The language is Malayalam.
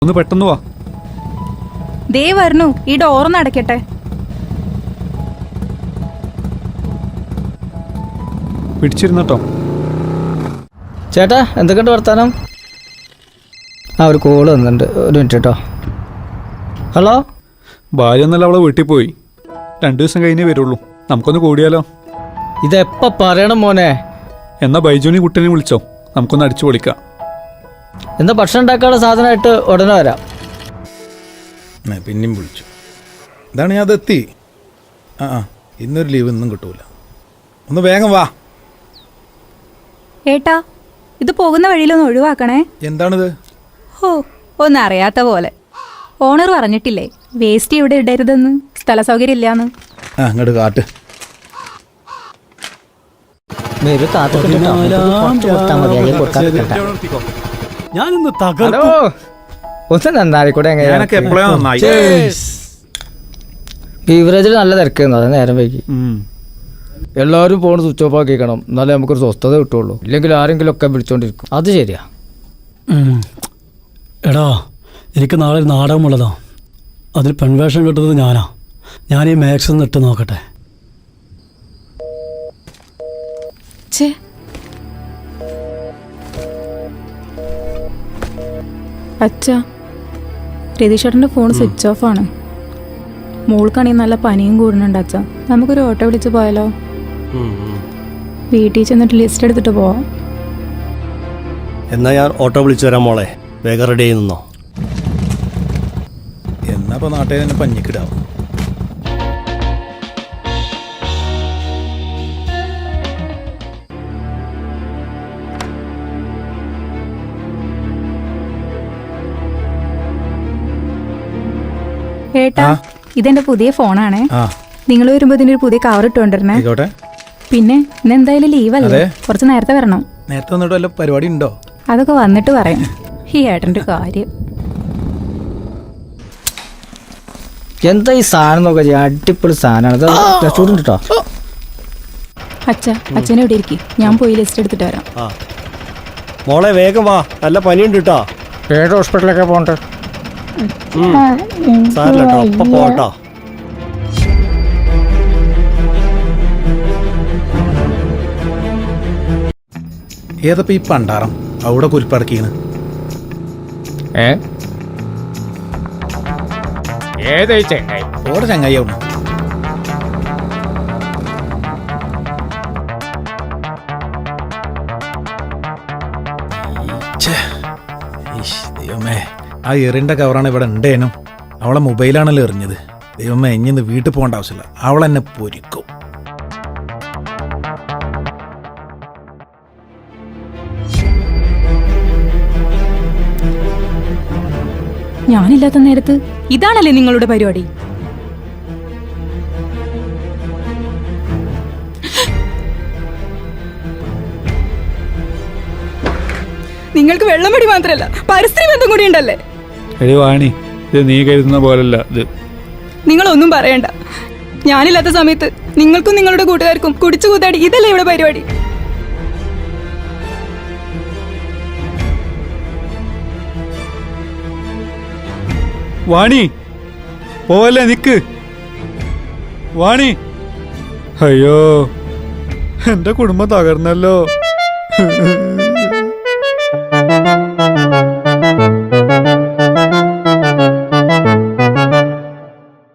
ഒന്ന് പെട്ടെന്ന് വാ. ദേ വരണു. ഈ ഡോറൊന്ന് അടയ്ക്കട്ടെ. പിടിച്ചിരുന്നട്ടോ. ചേട്ടാ എന്തൊക്കെയുണ്ട് വർത്താനം? ഒരു കോള് വന്നിട്ടുണ്ട്, ഒരു മിനിറ്റ് കേട്ടോ. ഹലോ. ഭാര്യ എന്നല്ല അവളെ വീട്ടിൽ പോയി. 2 ദിവസം കഴിഞ്ഞേ വരുള്ളൂ. നമുക്കൊന്ന് കൂടിയാലോ? ഇതെപ്പ പറയണം മോനെ? എന്നാ ബൈജുനി കുട്ടനെ വിളിച്ചോ, നമുക്കൊന്ന് അടിച്ചു പൊളിക്കാം. എന്താ ഭക്ഷണം ഉണ്ടാക്കാനുള്ള സാധനമായിട്ട് ഉടനെ വരാം. പിന്നെയും വിളിച്ചു. ഇതാണ് ഞാൻ അതെത്തി. ഇന്നൊരു ലീവ് ഇന്നും കിട്ടൂല. ഒന്ന് വേഗം വാ. ഏട്ടാ, ഇത് പോകുന്ന വഴിയിലൊന്ന് ഒഴിവാക്കണേ. എന്താണിത്? ഹോ, ഒന്നും അറിയാത്ത പോലെ. ഓണർ പറഞ്ഞിട്ടില്ലേ വേസ്റ്റ് ഇവിടെ ഇടരുതെന്ന്, സ്ഥല സൗകര്യം ഇല്ലാന്ന്. അങ്ങോട്ട് കാട്ട്. ബീവറേജിൽ നല്ല തിരക്കുന്നു, അതെ നേരം വൈകി. എല്ലാവരും ഫോൺ സ്വിച്ച് ഓഫ് ആക്കിക്കണം, എന്നാലേ നമുക്കൊരു സ്വസ്ഥത കിട്ടുള്ളൂ. ഇല്ലെങ്കിൽ ആരെങ്കിലും ഒക്കെ വിളിച്ചോണ്ടിരിക്കും. അത് ശരിയാ. എടാ, എനിക്ക് നാളെ ഒരു നാടകമുള്ളതാ. അതിൽ പെൺവേഷം കിട്ടുന്നത് ഞാനാ. ഞാൻ ഈ മാക്സ് ഒന്ന് ഇട്ട് നോക്കട്ടെ. അച്ഛാ, രതീഷേട്ടൻ്റെ ഫോൺ സ്വിച്ച് ഓഫ് ആണ്. മോൾക്കാണെങ്കിൽ നല്ല പനിയും കൂടുന്നുണ്ട് അച്ഛാ. നമുക്കൊരു ഓട്ടോ വിളിച്ച് പോയാലോ? വീട്ടിൽ ചെന്നിട്ട് ലിസ്റ്റ് എടുത്തിട്ട് പോവാം. എന്നാ ഞാൻ ഓട്ടോ വിളിച്ചു തരാം മോളെ, വേഗം റെഡി ആയി നിന്നോ. എന്നാ ഇപ്പൊ നാട്ടിൽ തന്നെ പഞ്ഞിക്കിടാവും. ഏട്ടാ, ഇതെന്റെ പുതിയ ഫോണാണേ. നിങ്ങൾ വരുമ്പോ ഇതിനൊരു പുതിയ കവർ ഇട്ടുകൊണ്ടിരുന്നേ. പിന്നെ ഇന്ന് എന്തായാലും ലീവല്ലേ, കുറച്ച് നേരത്തെ വരണം. നേരത്തെ വന്നിട്ട് വല്ല പരിപാടി ഉണ്ടോ? അതൊക്കെ വന്നിട്ട് പറയാം. ഈ ഏട്ടൻ്റെ കാര്യം എന്താ ഈ സാധനം നോക്ക, അടിപൊളി സാധനമാണ് കേട്ടോ. അച്ഛനെ ഇവിടെ ഇരിക്കും, ഞാൻ പോയി ലിസ്റ്റ് എടുത്തിട്ട് വരാം. മോളെ വേഗം വാ, നല്ല പനിയുണ്ട് കേട്ടോ. ഏത് ഹോസ്പിറ്റലൊക്കെ പോകണ്ടേ? സാരില്ലട്ടോ, അപ്പൊ പോട്ടോ. ഏതപ്പോ ഈ പണ്ടാറം അവിടെ കുരിപ്പടക്കീന്ന്? ഓടെ ചങ്ങായിയാവണം. ദൈവമേ, ആ എറിന്റെ കവറാണ് ഇവിടെ ഉണ്ടേനും. അവളെ മൊബൈലാണല്ലോ എറിഞ്ഞത്. ദൈവമേ, ഇഞ്ഞിന്ന് വീട്ടിൽ പോകേണ്ട ആവശ്യമില്ല, അവളെന്നെ പൊരിക്കും. ഞാനില്ലാത്ത നേരത്ത് ഇതാണല്ലേ നിങ്ങളുടെ പരിപാടി? നിങ്ങൾക്ക് വെള്ളമടി മാത്രല്ല, പരിസ്ഥിതി ബന്ധം കൂടി ഉണ്ടല്ലേ? വാണി, ഇത് നീ കരുതുന്ന പോലല്ല ഇത്. നിങ്ങളൊന്നും പറയണ്ട. ഞാനില്ലാത്ത സമയത്ത് നിങ്ങൾക്കും നിങ്ങളുടെ കൂട്ടുകാർക്കും കുടിച്ചു കൂത്താടി, ഇതല്ലേ ഇവിടെ പരിപാടി? വാണി പോവല്ലേ, നിക്ക് വാണി. അയ്യോ, എന്റെ കുടുംബം തകർന്നല്ലോ.